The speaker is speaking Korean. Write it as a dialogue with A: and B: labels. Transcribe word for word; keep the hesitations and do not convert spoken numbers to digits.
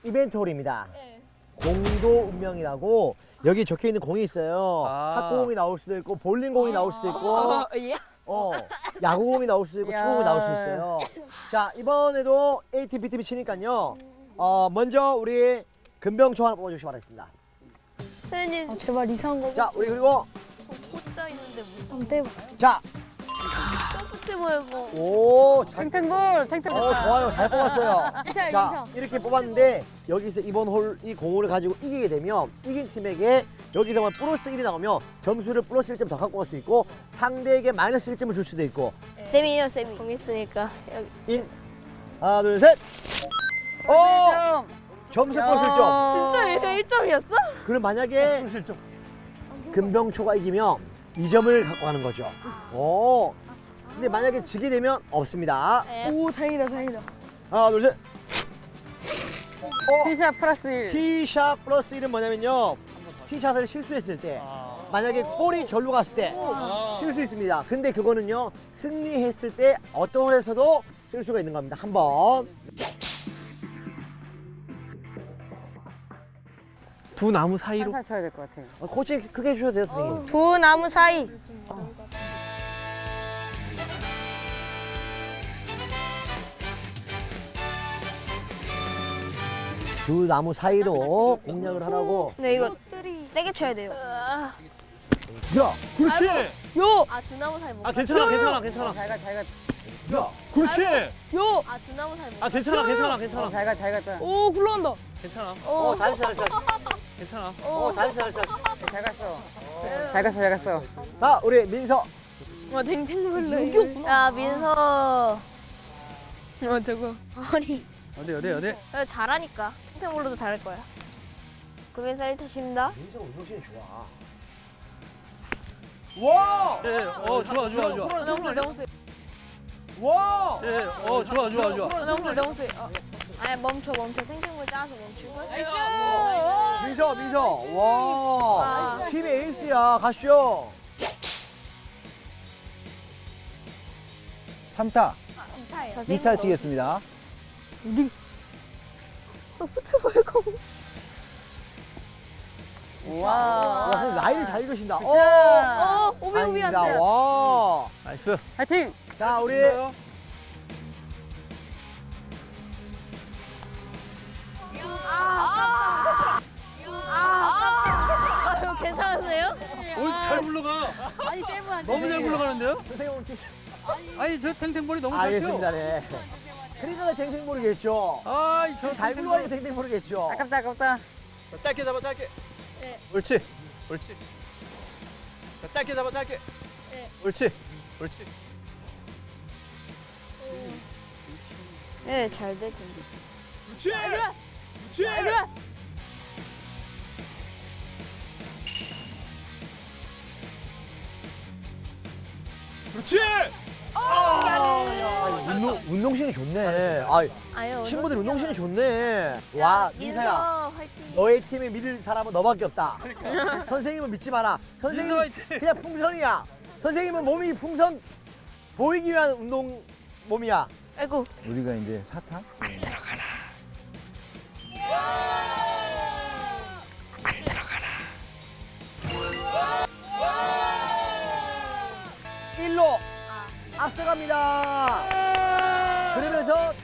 A: 이벤트홀입니다.
B: 네.
A: 공도 운명이라고 여기 적혀 있는 공이 있어요.
C: 아.
A: 탁구공이 나올 수도 있고 볼링공이 나올 수도 있고
B: 어, 예?
A: 어, 야구공이 나올 수도 있고
D: 야.
A: 축구공이 나올 수 있어요. 자, 이번에도 A팀, B팀이 치니까요. 어, 먼저 우리 금병초 하나 뽑아주시기 바라겠습니다.
B: 선생님,
D: 아, 제발 이상한 거.
A: 자, 우리 그리고
B: 포자 있는데 무슨
D: 한번 떼봐.
A: 자,
B: 소프트 모이고.
A: 오, 잘,
D: 탱탱볼, 탱탱볼.
A: 어, 좋아요. 잘 뽑았어요.
D: 괜찮아,
A: 자,
D: 괜찮아.
A: 이렇게 뽑았는데 여기서 이번 홀 이 공을 가지고 이기게 되면 이긴 팀에게 여기서만 플러스 일이 나오면 점수를 플러스 일 점 더 갖고 갈 수 있고 상대에게 마이너스 일 점을 줄 수도 있고
B: 쌤이에요, 쌤이. 공 있으니까. 여기.
A: 인 하나, 둘, 셋. 어! 점수 플러스 일 점.
B: 진짜 얘가 일 점이었어?
A: 그럼 만약에 금병초가 이기면 이 점을 갖고 가는 거죠. 오. 근데 만약에 지게 되면 없습니다.
B: 네.
D: 오, 다행이다, 다행이다.
A: 하나, 둘, 셋. 어,
D: 티샷 플러스 일.
A: 티샷 플러스 일은 뭐냐면요. 티샷을 실수했을 때 만약에 골이 절로 갔을 때 쓸 수 있습니다. 근데 그거는요. 승리했을 때 어떤 홀에서도 쓸 수가 있는 겁니다. 한번. 두 나무 사이로.
D: 살살 쳐야 될 것 같아요.
A: 어, 코칭 크게 해주셔도 돼요, 선생님.
B: 두 나무 사이.
A: 두 나무 사이로 공략을 하라고.
B: 네, 이거 세게 쳐야 돼요.
A: 야, 그렇지.
D: 요!
B: 아, 두 나무 사이 못
C: 아
B: 가.
C: 괜찮아 괜찮아 괜찮아.
D: 잘 가, 잘 가.
A: 야,
C: 그렇지.
D: 요!
B: 아, 두 나무 사이 못
C: 아
B: 가.
C: 괜찮아 괜찮아
D: 어,
C: 괜찮아
D: 잘 가, 잘 갔다.
B: 오, 굴러간다.
C: 괜찮아
A: 어, 잘했어, 잘했어.
C: 괜찮아.
A: 어, 잘했어, 잘했어.
D: 잘 갔어. 잘 갔어, 잘 갔어.
A: 자, 우리 민서.
B: 와, 댕댕벌레. 여기였구나. 야, 민서. 어, 저거. 아니.
C: 어디 어디 어디.
B: 야, 잘하니까. 탱탱볼로도 잘할 거야. 구민서 일 타십니다.
A: 민서 운동신이 좋아.
C: 와. 예. 어 좋아 좋아 좋아.
B: 너무 세, 너무 세.
A: 와.
C: 예. 어 좋아 좋아 좋아.
B: 너무 세, 너무 세. 어. 아니, 멈춰, 멈춰. 탱탱볼 짜서 멈추고.
A: 민서, 민서. 와.
B: 와.
A: 팀 에이스야. 가시죠. 삼 타.
B: 이 타예요.
A: 이 타 치겠습니다.
B: 소프트볼 공.
D: 와.
A: 와, 선생님 라인을 잘 읽으신다. 어.
B: 어, 오비, 오비 안
A: 다행이다.
B: 돼.
A: 와.
C: 나이스.
D: 화이팅!
A: 자, 우리
B: 아, 아, 아, 괜찮으세요?
C: 오잘 굴러가.
D: 아니, 세븐한테.
C: 너무 잘 굴러가는데요?
A: 선생님 오늘 치-
C: 아니 저 탱탱볼이 너무 잘 쳐.
A: 알겠습니다. 네. 그러니까 탱탱 모르겠죠.
C: 아이 저
A: 잘 굴러가니까 탱탱 모르겠죠.
D: 아깝다, 아깝다.
E: 짧게 잡아 짧게.
B: 네.
E: 옳지. 옳지. 자, 짧게 잡아 짧게.
B: 네.
E: 옳지. 옳지.
B: 네, 잘 될 텐데.
E: 그렇지. 그렇지.
B: 마지막!
E: 그렇지.
A: 아, 운동, 운동신이 좋네. 아,
B: 아유,
A: 친구들
B: 어떡해.
A: 운동신이 좋네. 와, 민서야.
B: 민서 화이팅.
A: 너의 팀에 믿을 사람은 너밖에 없다. 선생님은 믿지 마라. 선생님
C: 민서 화이팅!
A: 그냥 풍선이야. 선생님은 몸이 풍선 보이기 위한 운동 몸이야.
B: 아이고.
F: 우리가 이제 사타?
A: 일로 앞서갑니다. 그러면서